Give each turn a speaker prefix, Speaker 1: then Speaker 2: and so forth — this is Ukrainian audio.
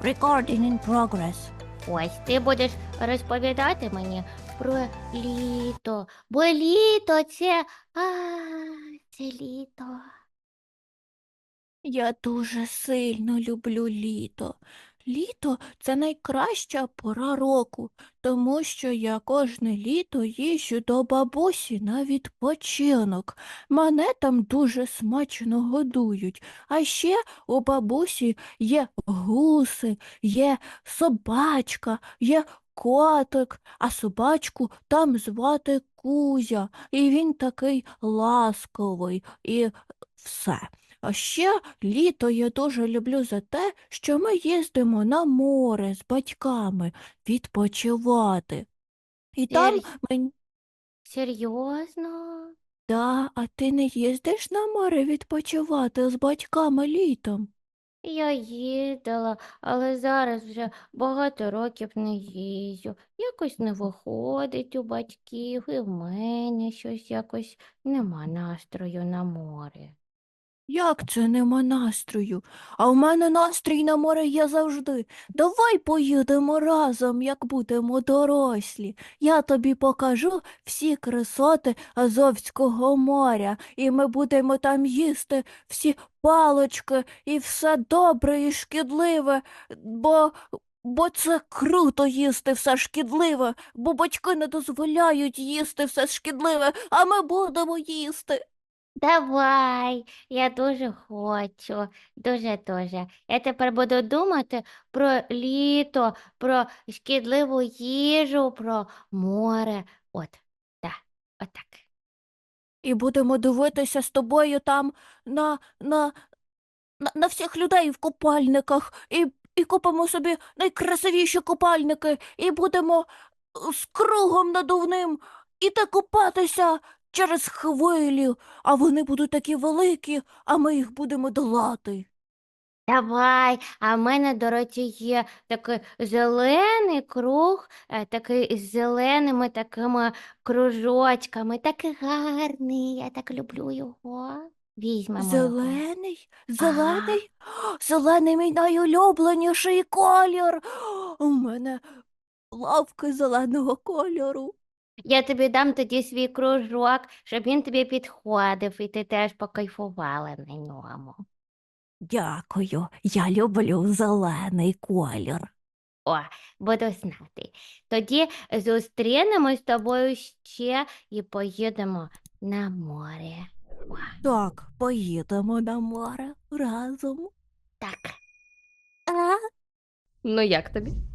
Speaker 1: Recording in progress.
Speaker 2: Ось ти будеш розповідати мені про літо, бо літо це літо.
Speaker 1: Я дуже сильно люблю літо. Літо – це найкраща пора року, тому що я кожне літо їжджу до бабусі на відпочинок. Мене там дуже смачно годують. А ще у бабусі є гуси, є собачка, є котик, а собачку там звати Кузя, і він такий ласковий, і все. А ще літо я дуже люблю за те, що ми їздимо на море з батьками відпочивати. І там
Speaker 2: Сер...
Speaker 1: мені.
Speaker 2: Серйозно?
Speaker 1: Да, а ти не їздиш на море відпочивати з батьками літом?
Speaker 2: Я їздила, але зараз вже багато років не їздю. Якось не виходить у батьків, і в мене щось якось нема настрою на море.
Speaker 1: Як це нема настрою? А в мене настрій на море є завжди. Давай поїдемо разом, як будемо дорослі. Я тобі покажу всі красоти Азовського моря, і ми будемо там їсти всі палички і все добре і шкідливе, бо це круто їсти все шкідливе, бо батьки не дозволяють їсти все шкідливе, а ми будемо їсти.
Speaker 2: Давай, я дуже хочу, дуже. Я тепер буду думати про літо, про шкідливу їжу, про море. От, так, отак.
Speaker 1: І будемо дивитися з тобою там на, на, на всіх людей в купальниках, і купимо собі найкрасивіші купальники, і будемо з кругом надувним іти купатися через хвилі, а вони будуть такі великі, а ми їх будемо долати.
Speaker 2: Давай, а в мене, до речі, є такий зелений круг, такий з зеленими такими кружочками, такий гарний, я так люблю його. Візьмемо його.
Speaker 1: Зелений?
Speaker 2: Ага.
Speaker 1: Зелений? Зелений мій найулюбленіший колір. У мене лавки зеленого кольору.
Speaker 2: Я тобі дам тоді свій кружок, щоб він тобі підходив, і ти теж покайфувала на ньому.
Speaker 1: Дякую, я люблю зелений колір.
Speaker 2: О, буду знати. Тоді зустрінемось з тобою ще і поїдемо на море. О,
Speaker 1: Так, поїдемо на море разом.
Speaker 2: так.
Speaker 1: А?
Speaker 3: Ну як тобі?